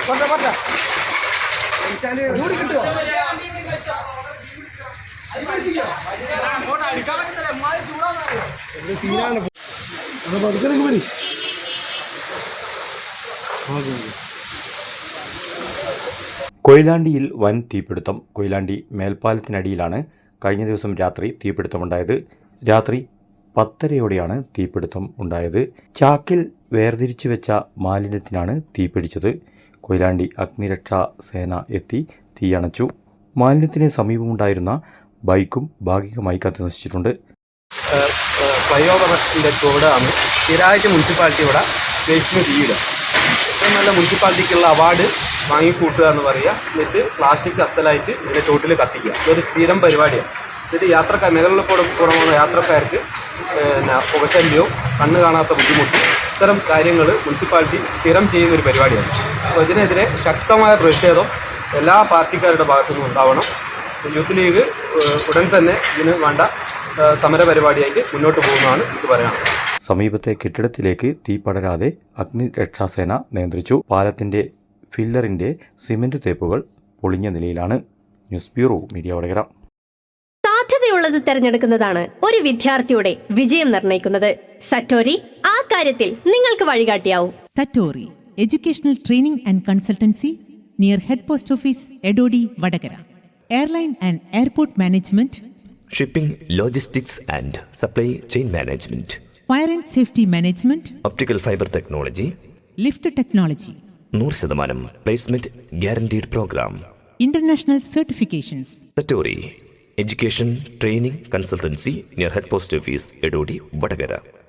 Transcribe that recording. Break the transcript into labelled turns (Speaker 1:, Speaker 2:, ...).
Speaker 1: കൊയിലാണ്ടിയിൽ വൻ തീപിടുത്തം. കൊയിലാണ്ടി മേൽപ്പാലത്തിനടിയിലാണ് കഴിഞ്ഞ ദിവസം രാത്രി തീപിടുത്തമുണ്ടായത്. രാത്രി 10:30യോടെയാണ് തീപിടുത്തം ഉണ്ടായത്. ചാക്കിൽ വേർതിരിച്ചു വെച്ച മാലിന്യത്തിനാണ് തീപിടിച്ചത്. കൊയിലാണ്ടി അഗ്നിരക്ഷാ സേന എത്തി തീയണച്ചു. മാലിന്യത്തിന് സമീപമുണ്ടായിരുന്ന ബൈക്കും ഭാഗികമായി കത്തിനശിച്ചിട്ടുണ്ട്.
Speaker 2: ഫ്ലൈ ഓവറിൻ്റെ ചുവടാണ് സ്ഥിരമായിട്ട് മുനിസിപ്പാലിറ്റി ഇവിടെ വേസ്റ്റിന് തീയിടുക. ഏറ്റവും നല്ല മുനിസിപ്പാലിറ്റിക്കുള്ള അവാർഡ് വാങ്ങിക്കൂട്ടുക എന്ന് പറയുക. എന്നിട്ട് പ്ലാസ്റ്റിക് അസലായിട്ട് ഇതിൻ്റെ ചോട്ടിൽ കത്തിക്കുക. ഇതൊരു സ്ഥിരം പരിപാടിയാണ്. എന്നിട്ട് യാത്രക്കാർ മേഖലകളിൽ കൂടെ പോകുന്ന യാത്രക്കാർക്ക് പുകശല്യവും കണ്ണ് കാണാത്ത ബുദ്ധിമുട്ടും ഇത്തരം കാര്യങ്ങൾ മുനിസിപ്പാലിറ്റി സ്ഥിരം ചെയ്യുന്നൊരു പരിപാടിയാണ്. അപ്പോൾ ഇതിനെതിരെ ശക്തമായ പ്രതിഷേധം എല്ലാ പാർട്ടിക്കാരുടെ ഭാഗത്തുനിന്നും ഉണ്ടാവണം. യൂത്ത് ലീഗ് ഉടൻ തന്നെ ഇതിന് വേണ്ട സമരപരിപാടിയായിട്ട് മുന്നോട്ട് പോകുന്നതാണ് എനിക്ക് പറയാനുള്ളത്.
Speaker 1: സമീപത്തെ കെട്ടിടത്തിലേക്ക് തീ പടരാതെ അഗ്നിരക്ഷാസേന നിയന്ത്രിച്ചു. പാലത്തിന്റെ ഫില്ലറിന്റെ സിമന്റ് തേപ്പുകൾ പൊളിഞ്ഞ നിലയിലാണ്. News bureau, media Vadakara.
Speaker 3: സാധ്യതയുള്ളത് തിരഞ്ഞെടുക്കുന്നതാണ് ഒരു വിദ്യാർത്ഥിയുടെ വിജയം നിർണ്ണയിക്കുന്നത്. സറ്റോരി ആ കാര്യത്തിൽ നിങ്ങൾക്ക് വഴികാട്ടിയാവും.
Speaker 4: Satori educational training and consultancy near head post office Edodi Vadakara. Airline and airport management,
Speaker 5: shipping, logistics and supply chain management,
Speaker 4: fire and safety management,
Speaker 5: optical fibre technology,
Speaker 4: lift technology,
Speaker 5: 100% placement guaranteed programme,
Speaker 4: international certifications.
Speaker 5: Satori education training consultancy near head post office Edodi Vadakara.